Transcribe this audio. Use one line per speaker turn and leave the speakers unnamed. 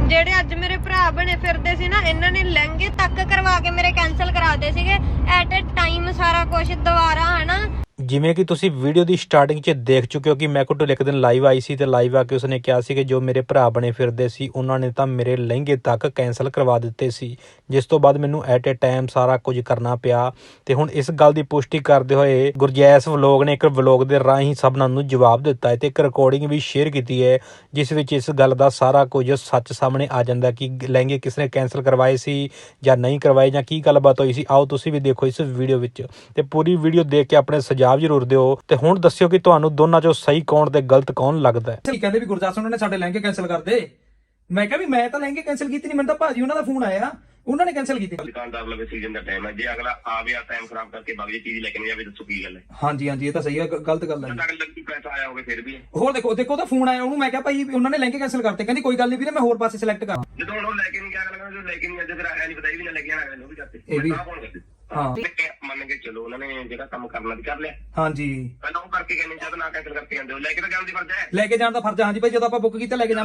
ਜਿਹੜੇ ਅੱਜ ਮੇਰੇ ਭਰਾ ਬਣੇ ਫਿਰਦੇ ਸੀ ਨਾ, ਇਹਨਾਂ ਨੇ ਲਹਿੰਗੇ ਤੱਕ ਕਰਵਾ ਕੇ ਮੇਰੇ ਕੈਂਸਲ ਕਰਾਦੇ ਸੀਗੇ ਐਟ ਅ ਟਾਈਮ ਸਾਰਾ ਕੁਝ ਦੁਬਾਰਾ, ਹਨਾ।
ਜਿਵੇਂ ਕਿ ਤੁਸੀਂ ਵੀਡੀਓ ਦੀ ਸਟਾਰਟਿੰਗ 'ਚ ਦੇਖ ਚੁੱਕੇ ਹੋ ਕਿ ਮੈਕੋ ਢਿੱਲੋਂ ਇੱਕ ਦਿਨ ਲਾਈਵ ਆਈ ਸੀ ਤੇ ਲਾਈਵ ਆ ਕੇ ਉਸਨੇ ਕਿਹਾ ਸੀ ਕਿ ਜੋ ਮੇਰੇ ਭਰਾ ਬਣੇ ਫਿਰਦੇ ਸੀ ਉਹਨਾਂ ਨੇ ਤਾਂ ਮੇਰੇ ਲਹਿੰਗੇ ਤੱਕ ਕੈਂਸਲ ਕਰਵਾ ਦਿੱਤੇ ਸੀ, ਜਿਸ ਤੋਂ ਬਾਅਦ ਮੈਨੂੰ ਐਟ ਏ ਟਾਈਮ ਸਾਰਾ ਕੁਝ ਕਰਨਾ ਪਿਆ। ਤੇ ਹੁਣ ਇਸ ਗੱਲ ਦੀ ਪੁਸ਼ਟੀ ਕਰਦੇ ਹੋਏ ਗੁਰਜੈਸ ਵਲੋਗ ਨੇ ਇੱਕ ਵਲੋਗ ਦੇ ਰਾਹੀਂ ਸਭਨਾਂ ਨੂੰ ਜਵਾਬ ਦਿੱਤਾ ਹੈ ਤੇ ਇੱਕ ਰਿਕਾਰਡਿੰਗ ਵੀ ਸ਼ੇਅਰ ਕੀਤੀ ਹੈ, ਜਿਸ ਵਿੱਚ ਇਸ ਗੱਲ ਦਾ ਸਾਰਾ ਕੁਝ ਸੱਚ ਸਾਹਮਣੇ ਆ ਜਾਂਦਾ ਕਿ ਲਹਿੰਗੇ ਕਿਸ ਨੇ ਕੈਂਸਲ ਕਰਵਾਏ ਸੀ ਜਾਂ ਨਹੀਂ ਕਰਵਾਏ ਜਾਂ ਕੀ ਗੱਲਬਾਤ ਹੋਈ ਸੀ। ਆਓ ਤੁਸੀਂ ਵੀ ਦੇਖੋ ਇਸ ਵੀਡੀਓ ਵਿੱਚ ਤੇ ਪੂਰੀ ਵੀਡੀਓ ਦੇਖ ਕੇ ਆਪਣੇ ਸੁਝਾਅ ਜ਼ਰੂਰ ਦਿਓ ਤੇ ਹੁਣ ਦੱਸਿਓ ਕਿ ਤੁਹਾਨੂੰ ਦੋਨਾਂ ਚੋਂ ਸਹੀ ਕੌਣ ਤੇ ਗਲਤ ਕੌਣ ਲੱਗਦਾ ਹੈ।
ਕਹਿੰਦੇ ਵੀ ਗੁਰਦਾਸ ਉਹਨਾਂ ਨੇ ਸਾਡੇ ਲਹਿੰਗੇ ਕੈਂਸਲ ਕਰਦੇ। ਮੈਂ ਕਿਹਾ ਵੀ ਮੈਂ ਤਾਂ ਲਹਿੰਗੇ ਕੈਂਸਲ ਕੀਤੇ ਨਹੀਂ, ਮੈਨੂੰ ਤਾਂ ਭਾਜੀ ਉਹਨਾਂ ਦਾ ਫੋਨ ਆਇਆ, ਉਹਨਾਂ ਨੇ ਕੈਂਸਲ ਕੀਤੇ।
ਦੁਕਾਨਦਾਰ ਲਵੇ ਸੀਜ਼ਨ ਦਾ ਟਾਈਮ ਹੈ, ਜੇ ਅਗਲਾ ਆ ਗਿਆ ਟਾਈਮ ਖਰਾਬ ਕਰਕੇ ਬਾਕੀ ਚੀਜ਼ ਲੈ ਕੇ ਨਹੀਂ ਜਾਵੇ ਦੱਸੋ ਕੀ ਗੱਲ ਹੈ।
ਹਾਂਜੀ ਹਾਂਜੀ ਇਹ ਤਾਂ ਸਹੀ ਹੈ, ਗਲਤ ਗੱਲ ਹੈ।
ਅਗਲੇ ਪੈਸਾ ਆਇਆ ਹੋਵੇ ਫਿਰ ਵੀ
ਹੋਰ ਦੇਖੋ ਉਹਦਾ ਫੋਨ ਆਇਆ, ਉਹਨੂੰ ਮੈਂ ਕਿਹਾ ਭਾਈ ਉਹਨਾਂ ਨੇ ਲਹਿੰਗੇ ਕੈਂਸਲ ਕਰਤੇ, ਕਹਿੰਦੀ ਕੋਈ ਗੱਲ ਨਹੀਂ ਵੀਰੇ ਮੈਂ ਹੋਰ ਪਾਸੇ ਸਿਲੈਕਟ ਕਰਾਂ।
ਜਦੋਂ ਹੁਣ ਉਹ ਲੈ ਕੇ ਨਹੀਂ ਗਿਆ ਅਗਲਾ, ਜੋ ਲੈ ਕੇ ਨਹੀਂ ਅੱਜ ਫਿਰ ਆਇਆ ਨਹੀਂ ਪਤਾ ਵੀ ਨਾ ਲੈ ਕੇ ਆਣਾ ਅਗਲੇ ਨੂੰ ਵੀ ਕਰਤੇ
ਇਹ ਵੀ
ਹਾਂ ਮੰਨ ਕੇ ਚਲੋ ਉਹਨਾਂ ਨੇ ਜਿਹੜਾ ਕੰਮ ਕਰਨਾ ਵੀ ਕਰ ਲਿਆ।
ਹਾਂਜੀ
ਪਹਿਲਾਂ ਉਹ ਕਰਕੇ ਕਹਿੰਦੇ ਜਦ ਨਾ ਕੈਂਸਲ ਕਰਕੇ ਜਾਂਦੇ ਹੋ ਲੈ ਕੇ ਤਾਂ ਜਾਣ ਦੀ ਫਰਜ਼ ਹੈ,
ਲੈ ਕੇ ਜਾਣ ਦਾ ਫਰਜ਼। ਹਾਂਜੀ ਭਾਈ ਜਦੋਂ ਆਪਾਂ ਬੁੱਕ ਕੀਤਾ ਲੈ ਕੇ